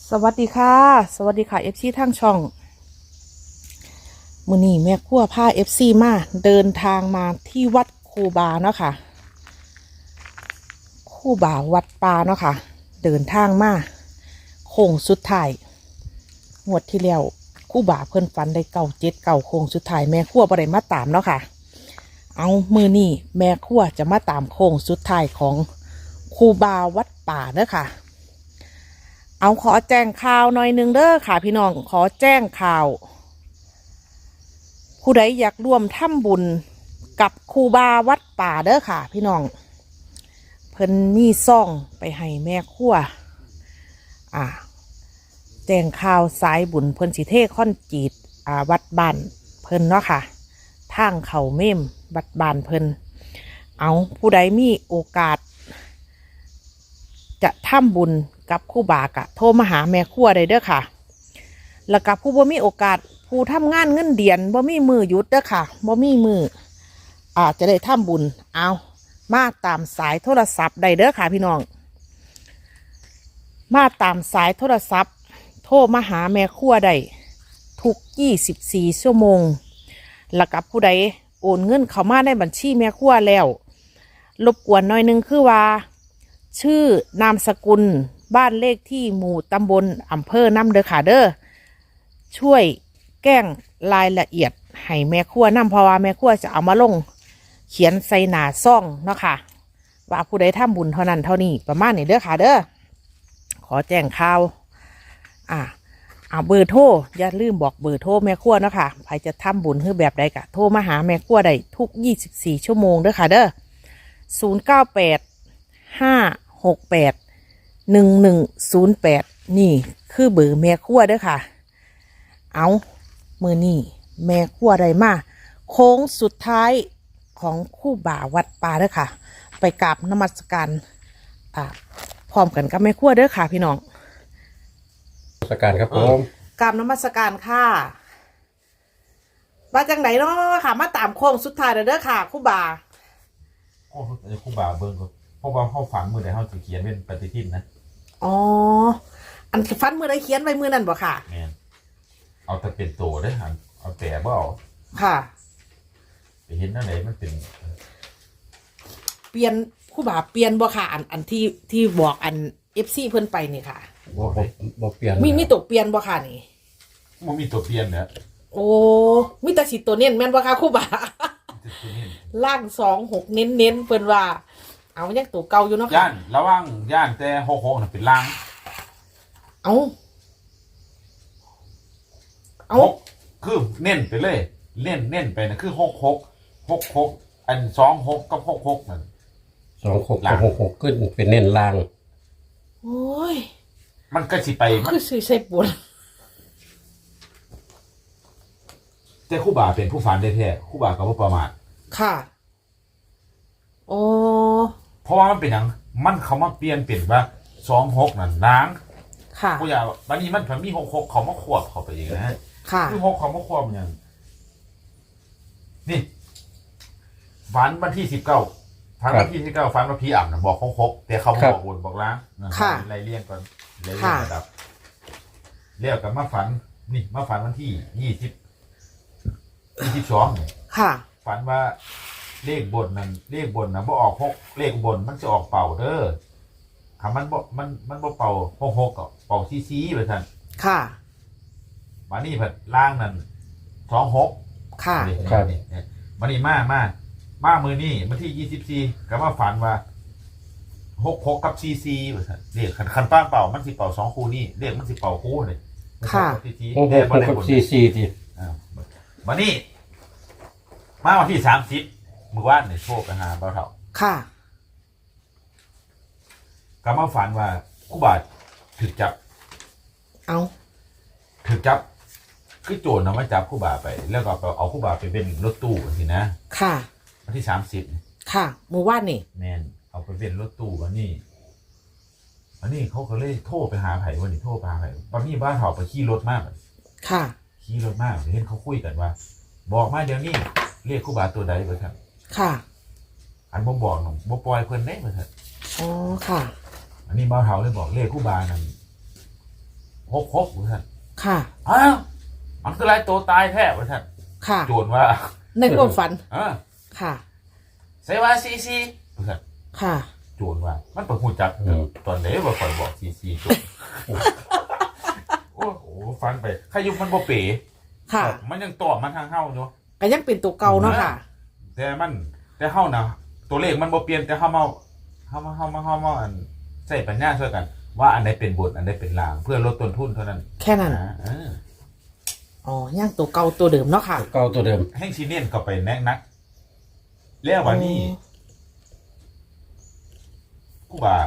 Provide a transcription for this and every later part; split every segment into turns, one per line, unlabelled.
สวัสดีค่ะสวัสดีค่ะเอฟซีทางช่องมื้อนี้แม่ครัวพาเอฟซีมาเดินทางมาที่วัดคูบาเนาะค่ะคูบาวัดป่าเนาะค่ะเดินทางมาโค้งสุดท้ายงวดที่แล้วคูบาเพิ่นฝันได้97 9โค้งสุดท้ายแม่ครัวบ่ได้มาตามเนาะค่ะเอามื้อนี้แม่ครัวจะมาตามโค้งสุดท้ายของคูบาวัดป่าเด้อค่ะเอาขอแจ้งข่าวหน่อยนึงเด้อค่ะพี่น้องขอแจ้งข่าวผู้ใดอยากร่วมทำบุญกับครูบาวัดป่าเด้อค่ะพี่น้องเพิ่นมีซ่องไปให้แม่ครัวแจ้งข่าวสายบุญเพิ่นสิเทค่อนจีดวัดบ้านเพิ่นเนาะค่ะทางเขาเม่มวัดบ้านเพิ่นเอาผู้ใดมีโอกาสจะทำบุญกับครูบากะโทรมาหาแม่ครัวได้เด้อค่ะแล้วกับผู้บ่มีโอกาสผู้ทำงานเงินเดือนบ่มีมือหยุดเด้อค่ะบ่มีมือจะได้ทำบุญเอามาตามสายโทรศัพท์ได้เด้อค่ะพี่น้องมาตามสายโทรศัพท์โทรมาหาแม่ครัวได้ทุก24 ชั่วโมงแล้วกับผู้ใดโอนเงินเข้ามาในบัญชีแม่ครัวแล้วรบกวนหน่อยนึงคือว่าชื่อนามสกุลบ้านเลขที่หมู่ตำบลอำเภอนำเด้อค่ะเด้อช่วยแก้งรายละเอียดให้แม่ครัวนำเพราะว่าแม่ครัวจะเอามาลงเขียนใส่หน้าซ่องเนาะค่ะว่าผู้ใดทำบุญเท่านั้นเท่านี้ประมาณนี้เด้อค่ะเด้อขอแจ้งข่าวเบอร์โทรอย่าลืมบอกเบอร์โทรแม่ครัวเนาะค่ะใครจะทำบุญคือแบบใดกะโทรมาหาแม่ครัวได้ทุก24 ชั่วโมงเด้อค่ะเด้อ098-568-1108นี่คือเบอร์แม่ครัวเด้อค่ะเอามือนี่แม่ครัวได้มาโค้งสุดท้ายของครูบาวัดป่าเด้อค่ะไปกราบนมัสการพร้อมกันกับแม่ครัวเด้อค่ะพี่น้อง
นมัสการครับผม
กราบนมัสการค่ะมาจากไหนเนาะค่ะมาตามโค้งสุดท้ายเด้อค่ะครูบา
โอ้ครูบาเบิ่งก็เพราะว่าเขาฝันมือใดเขาจะเขียนเป็นปฏิทินนะ
อ๋ออันฟันมือใดเขียนไว้มือนั่นบ่ค่ะ
แม่นเอาแต่เป็นโตได้หันเอาแต่บ่เอา
ค่ะ
ไปเห็นนั่นไหนมันเป็น
เปลี่ยนครูบาเปลี่ยนบ่ค่ะอันที่บอกอัน FC เพิ่นไปนี่ค่ะ
บ่เปลี่ยน
มีตัวเปลี่ยนบ่ค่ะนี่
มันมีตัวเปลี่ยนเนี่ย
โอ้มีแต่สิตัวเน้นแม่นบ่ค่ะครูบาล่าง26เน้นเพิ่นว่าเอายังตัวเก่าอยู่เนาะค่ะ
ย่านระวังย่านแต่66น่ะเป็นล่าง
เอา
คือเน้นไปเลยเน้นไปนะคือ66อัน26กับ66นั่น
26กับ66ขึ้นเป็นเน้นล่าง
โอ้ย
มันก็สิไปมัน
คือสิใส่ปวด
แต่ครูบาเป็นผู้ฝันได้แท้ครูบาก็บ่ประมาท
ค่ะโอ้
เพราะว่ามันเป็นหยังมันเขามาเปลี่ยนเป็นว่า26นั่นล้าง
ค่ะ
ผู้ใหญ่วันนี้มันมี66เขามาควบเข้าไปอย่างนะ
ค่ะ
คือ6เขามาควบอย่างนี่ฝันวันที่19ฝันวันที่19ฝันว่าพี่อ่ำนะบอก66แต่เขาบอกวนบอกล้างไล่เลี่ยงก่อนไล่เลี่ยงระดับเรียกกับมาฝันนี่มาฝันวันที่22เนี่ย
ค่ะ
ฝันว่าเลขบนนะบ่ออก6เลขบนมันจะออกเป่าเด้อคำมันบ่เป่า66ก็เป่าซีไปท่าน
ค่ะ
มานี่ผัดล่างนั่น26
ค่ะ
ครับมานี่มามือนี่มาที่24ก็มาฝันว่า66กับซีไปท่านเลขคันป้าเป่ามันสิเป่า2คู่นี่เลขมันสิเป่าคู่เลย
ค่ะ
66กับซีที
มานี่มาวันที่30มื้อวานเนี่ยโชคไปหาเบาเฒ่า
ค่ะ
ก็มาฝันว่าครูบาถูกจับคือโจรนำมาจับครูบาไปแล้วก็เอาครูบาไปเป็นรถตู้สินะ
ค่ะ
วันที่30
ค่ะมื้อวานนี่
แม่นเอาไปเป็นรถตู้วันนี้เขาก็เลยโทรไปหาไผวันนี้โทรไปหาไผตอนนี้บ้านเฒ่าไปขี่รถมาก
ค่ะ
ขี่รถมากเห็นเขาคุยกันว่าบอกมาเดี๋ยวนี้เรียกครูบาตัวใดเบิ่งครับ
ค่ะ
อันบ่บอกน้องบ่ปล่อยเพิ่นเด้เบิ่งครับ
อ๋อค่ะ
อันนี้บ้านเฒ่าเลยบอกเรียกครูบานั่น 6ท่าน
ค่ะ
อ้าวมันคือไรตัวตายแท้ท่าน
ค่ะ
โจรว่า
ในความฝัน ค่ะ
ใส่ว่าซีท่าน
ค่ะ
โจรว่ามันประหูจักตอนไหนว่าคอยบอกซีโจรโอ้โหฟันไปขยุมมันบ่เป๋
ค่ะ
มันยังตอบมาทางเฮาเนาะ
ก็ยังเป็นตัวเก่าเนาะค่ะ
แต่เฮานะตัวเลขมันบ่เปลี่ยนแต่เฮามาอันใช้ปัญญาช่วยกัน ว่าอันใดเป็นบทอันใดเป็นลาง เพื่อลดต้นทุนเท่านั้น
แค่นั้น อ๋อย่างตัวเก่าตัวเดิมเนาะค่ะ
เก่าตัวเดิม
แห่งซีเนียนก็ไปแนะนักแล้ววันนี้กูบ่า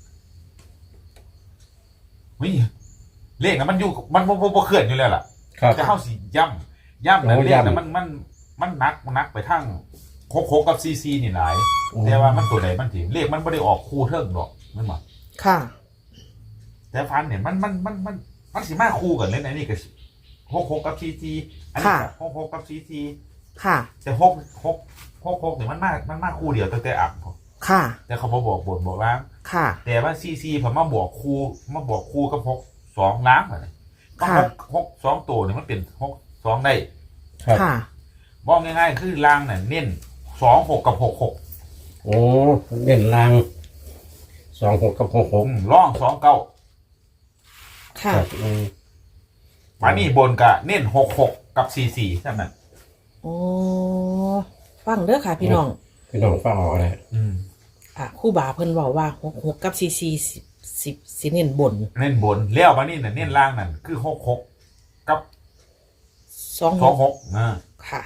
วิเลขนะมันอยู่มันบ่เคลื่อนอยู่แล้วล่ะ
ครับ
จะเข้าสิย่ำนะเลขนะมันนักไปทั้งโคกับซีนี่หลายแต่ว่ามันตัวใดมันถีเลขมันไม่ได้ออกคู่เทิงหรอกมันมา
ค่ะ
แต่ฟันเนี่ยมันสิมาคู่กันเลยนะนี่ก็โคกับซีอันนี้โคกับซี
ค่ะ
แต่โคเนี่ยมันมาคู่เดียวตั้งแต่อับ
ค่ะ
แต่เขาบอกบทบอกล้าง
ค่ะ
แต่ว่าซีผมมาบอกคู่กับ6 2ล้างอะไร6 2ตัวเนี่ยมันเป็น6 2ได้
ครับ
ค่ะ
บอกง่ายๆคือล่างน่ะเน้น26กับ66
โอ้เน้นลาง26กับ66
ร่อง29
ค่ะ
ครับ
มานี่บนกะเน้น66กับ44ใช่ไหม
โอ้ ฟังเด้อค่ะ พี่น้อง
พี่น้องฟังออกเลย
ครู่บาเพิ่นบอกว่า6กับสิเน้นบน
เน้นบนเลี้ยวมานี่น่ะเน้นล่างนั่นคือ66กับ
26
26
ค่ะ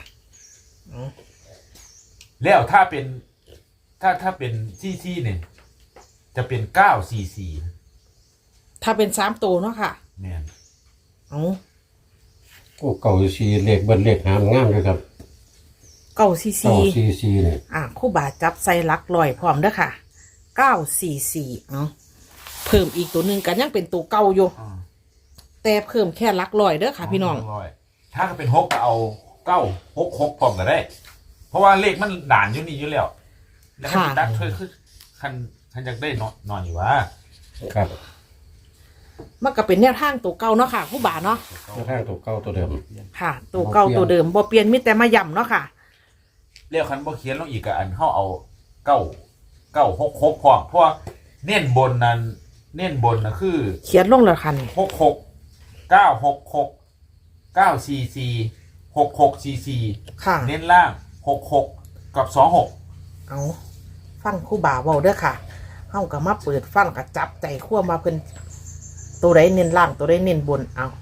แล้วถ้าเป็นถ้าเป็นที่เนี่ยจะเป็น944
ถ้าเป็น3ตัวเนาะค่ะ
เนี่ย
เอา
กูเก่าซีเลขเบิ้ลเลขหามงามเลยครับ
เก้าซี
เก่าซีเนี่ย
ครู่บาจับใส่หลักลอยพร้อมเด้อค่ะ944เอาเพิ่มอีกตัวหนึ่งกันยังเป็นตัวเก่าอยู่ แต่เพิ่มแค่หลักลอยเด้อค่ะ พี่น้อง
ถ้าเป็น6ก็เอา966พร้อมกันได้ เพราะว่าเลขมันด่านอยู่นี่อยู่แล้วแล้วคันตัดคือคันอยากได้นอนอยู่ว่า
ครับ
มันก็เป็นแนวทางตัวเก่าเนาะค่ะครู่บาเนาะ
ข้างตัวเก่าตัวเดิม
ค่ะ ตัวเก่าตัวเดิมบ่เปลี่ยนมีแต่มาย่ำเนาะค่ะ
เรียกคันบ่เขียนลงอีกกับอันเขาเอา966พร้อมเพราะว่าเน้นบนนะคือ
เขียนลงแล้วค่ะนี่
66 966 944 6644
ค่ะ
เน้นล่าง66กับ26
เอาฟังครู่บาเว้าเด้อค่ะเฮาก็มาเปิดฟังก็จับใจคั่วมาเพิ่นตัวใดเน้นล่างตัวใดเน้นบนเอา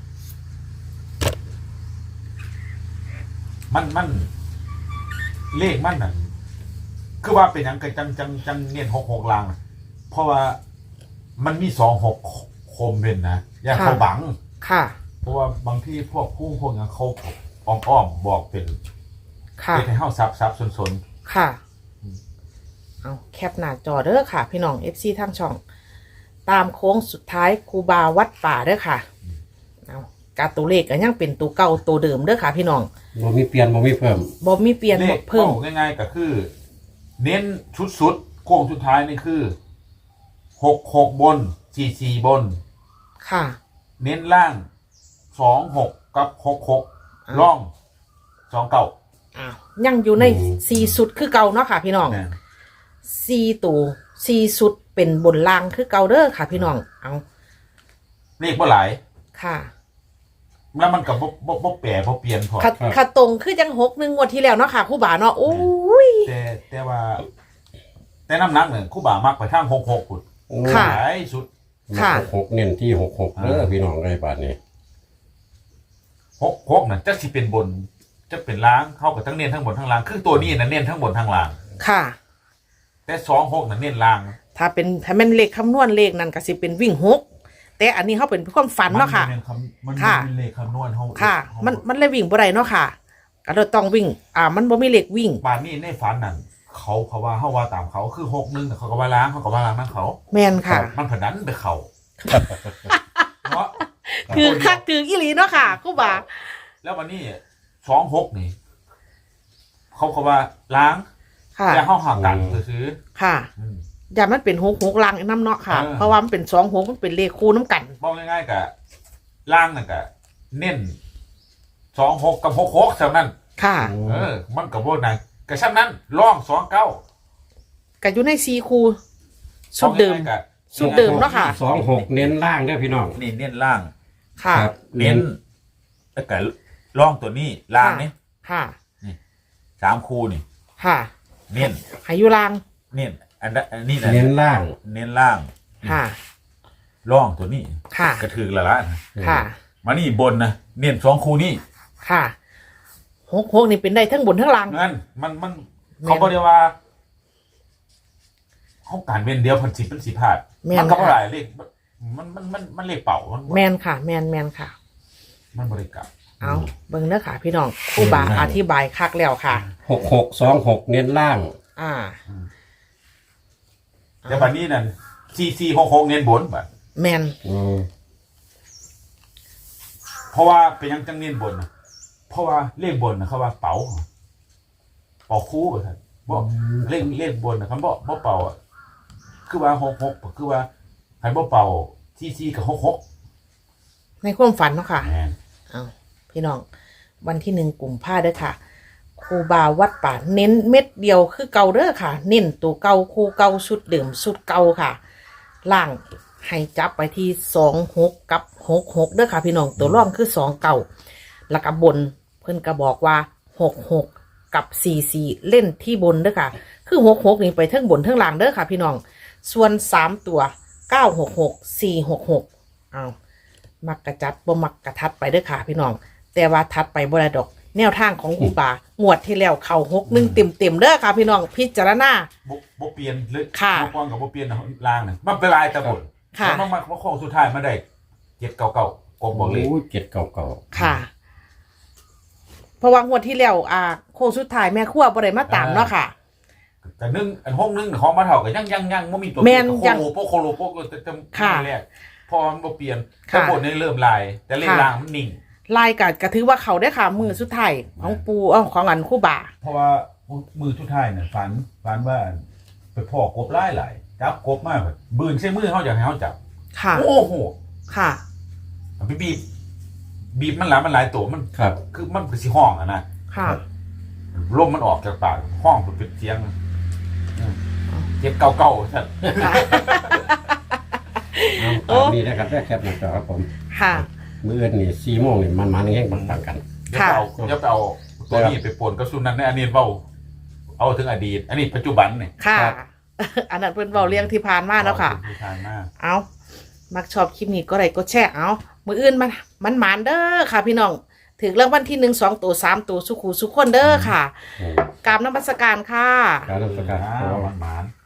มันเลขมันน่ะคือว่าเป็นหยังกันจังเน้น66ล่างนะเพราะว่ามันมี26คมเป็นนะอย่างเขาบัง
ค่ะ
เพราะว่าบางที่พวกอย่างเขาอ้อมบอกเป็น
ค่ะ
เป็นให้เฮาซับสน
ค่ะ เอาแคปหน้าจอเด้อค่ะ พี่น้อง FC ทางช่อง ตามโค้งสุดท้ายครูบาวัดป่าเด้อค่ะ เอาการตัวเลขก็ยังเป็นตัวเก่าตัวเดิมเด้อค่ะ พี่น้อง
บ่มีเปลี่ยนบ่มีเพิ่ม
บ่มีเปลี่ยน
เล
บ่
ข
เพิ่ม
ง่ายๆก็คือ เน้นชุดสุดโค้งสุดท้ายนี่คือ66บน44บน
ค่ะ
เน้นล่าง26กับ66ร่อง29
อ้าวยังอยู่ใน4สุดคือเก่าเนาะค่ะ พี่น้อง
นะ
4ตัว4สุดเป็นบนล่างคือเก่าเด้อค่ะ พี่น้อง เอา
เลขบ่หลาย
ค่ะ
แล้วมันก็บ่แปรบ่เปลี่ยนพอ
ค่ะตรงคือจัง6 1งวดที่แล้วเนาะค่ะครูบาเนาะโอ้ย
แต่ว่าแต่น้ำหนักเนี่ยครู่บ่ามักไปทาง66พุ่น
ค่ะ
หลายสุด
ค่ะ
66เน้นที่66เด้อพี่น้องไอ้บาทนี้
66น่ะจักสิเป็นบนจะเป็นล้างเข้ากับทั้งเน้นทั้งบนทั้งล่างคือตัวนี้น่ะเน้นทั้งบนทั้งล่าง
ค่ะ
แต่26น่ะเน้นล่าง
ถ้าเป็นเลขคำนวณเลขนั่นก็สิเป็นวิ่ง6แต่อันนี้เขาเป็นความฝันเนาะค่ะ
มัน
ค่ะ
เป็นเลขคำนวณเฮา
ค่ะ มันเลยวิ่งบ่ได้เนาะค่ะก็เลยต้องวิ่ง มันบ่มีเลขวิ่ง
ป่านนี้ในฝันนั่นเขาว่าเฮาว่าตามเขาคือ61น่ะเขาก็ว่าล้างเขาก็ว่าล้างนั่นเขา
แม่นค่ะ
มันผดันไปเขาเนาะ
คือคักคืออีหลีเนาะค่ะครูบา
แล้ววันนี้26นี่เขาก็ว่าล้าง
ค่ะ
แต่เฮาห่างกันซื้อ
ค่ะ
ๆอืม
อย่ามันเป็น6 6ลังน้ำเนาะค่ะ เพราะว่ามันเป็น2 6มันเป็นเลขคู่น้ำกัน
บอกง่ายๆกับล่างนั่นก็เน้น26กับ66เท่านั้น
ค่ะ
มันก็บ่นั่นก็ฉะนั้นร่อง29
ก็อยู่ใน4คู่ชุดเดิม ชุดเดิมเนาะค่ะ
26เน้นล่างเด้อพี่น้อง
นี่เน้นล่าง
ค่ะ
ครับ
เน้นแล้วก็ร่องตัวนี้ล่างนี่
ค่ะ
3คู่นี่
ค่ะ
เน้น
ให้อยู่ล่าง
เน้นอันนี้นะ
เน้นล่าง
เน้นล่าง
ค่ะ
ร่องตัวนี้
ค่ะ
กระถือละละ
ค่ะ
มานี่บนนะเน้น2คู่นี่
ค่ะ6นี่เป็นได้ทั้งบนทั้งล่าง
งั้นมันเขาบอกเดียวว่าเขาการเว้นเดียวพันสิบเป็นสิพลาด
แม่น
มันก็
ค่ะ
บ่หลายเลขมันเลขเป่ามัน
แมนค่ะ แมนค่ะ
มันบริกรรม
เอาเบิ่งเด้อค่ะ พี่น้องครูบาอธิบายคักแล้วค่ะ
6626เน้นล่าง
อ่า
แต่บัดนี้นั่น4466เน้นบนบัด
แมน
เพราะว่าเป็นยังจังเน้นบนนะเพราะว่าเลขบนนะเขาว่าเป๋าคู่ไปครับบ่เลขบนนะคำบ่เป่าอ่ะคือว่า66คือว่าใครบ่เป่า44กับ66
ในความฝันเนาะค่ะ
แม่น
เอาพี่น้อง วันที่1กุมภาเด้อค่ะครูบาวัดป่าเน้นเม็ดเดียวคือเก่าเด้อค่ะ เน้นตัวเก่าคู่เก่าชุดเดิมชุดเก่าค่ะ ล่างให้จับไปที่26กับ66เด้อค่ะพี่น้องตัวร่องคือ29แล้วก็บนเพิ่นก็บอกว่า66กับ44เล่นที่บนเด้อค่ะ คือ66นี่ไปทั้งบนทั้งล่างเด้อค่ะ พี่น้องส่วน3ตัว966 466เอามักกระจัดบ่มักกระทัดไปเด้อค่ะ พี่น้องแต่ว่าทัดไปบ่ได้ดอกแนวทางของครูบางวดที่แล้วเข้า61เต็มๆเด้อค่ะ พี่น้องพิจารณา
บ่เปลี่ยนเลย
ค่ะ
บ่ป้องกับบ่เปลี่ยนล่างน่ะมันเป็นลายตะบน
ค่ะ
แล้วมันโค้งสุดท้ายมาได้799กบบอกเลย
โอ้ย799
ค่ะ เพราะว่างวดที่แล้วโค้งสุดท้ายแม่ครัวบ่ได้มาตามเนาะค่ะ
แต่อันห้องนึงของมาเท่ากับยังบ่มีตัว
แม่นยัง
โคโลโปจะ
ค่ะ
แรกพอมันบ่เปลี่ยน
ค่ะ
ตะบนนี่เริ่มลาย แต่เลข
ค่ะ
ล่างมันนิ่ง
ลายกัดก็ถือว่าเขาได้อค่ะ มือสุดท้ายของปูของอันครู่บา
เพราะว่ามือสุดท้ายน่ะฝันว่าไปพ่อกบหลายจับกบมากบืนใส่มือเฮาอยากให้เฮาจับ
ค่ะ
โอ้โห
ค่ะ
ไปบีบมันหลายตัวมัน
ครับ
คือมันเป็นสิห้องอะนะ
ค่ะ
ลมมันออกจากปากห้องเป็นเสียงเจ็บเก่าๆท่าน
โอ้
นี่นะครับแคปหน้าจอครับผม
ค่ะ
มื้ออื่นนี่4โมงนี่มันแห้งปังๆกัน
อย่าไปเอาตัวนี้ไปปนกับสุนันในอันนี้เอาถึงอดีต อันนี้ปัจจุบันเนี่ย
ค่ะ
ครับ
อันนั้นเพิ่นเว้าเรื่องที่ผ่านมาแล้วค่ะ
ทานมาก
เอามักชอบคลิปนี้ก็ไลค์ก็แชร์เอามืออื่นมันหมานเด้อค่ะ พี่น้องถึงเรื่องวันที่1 2ตัว3ตัวสุขูสุขคนเด้อค่ะกราบนมัสการค่ะ
การนำสกัด
มัน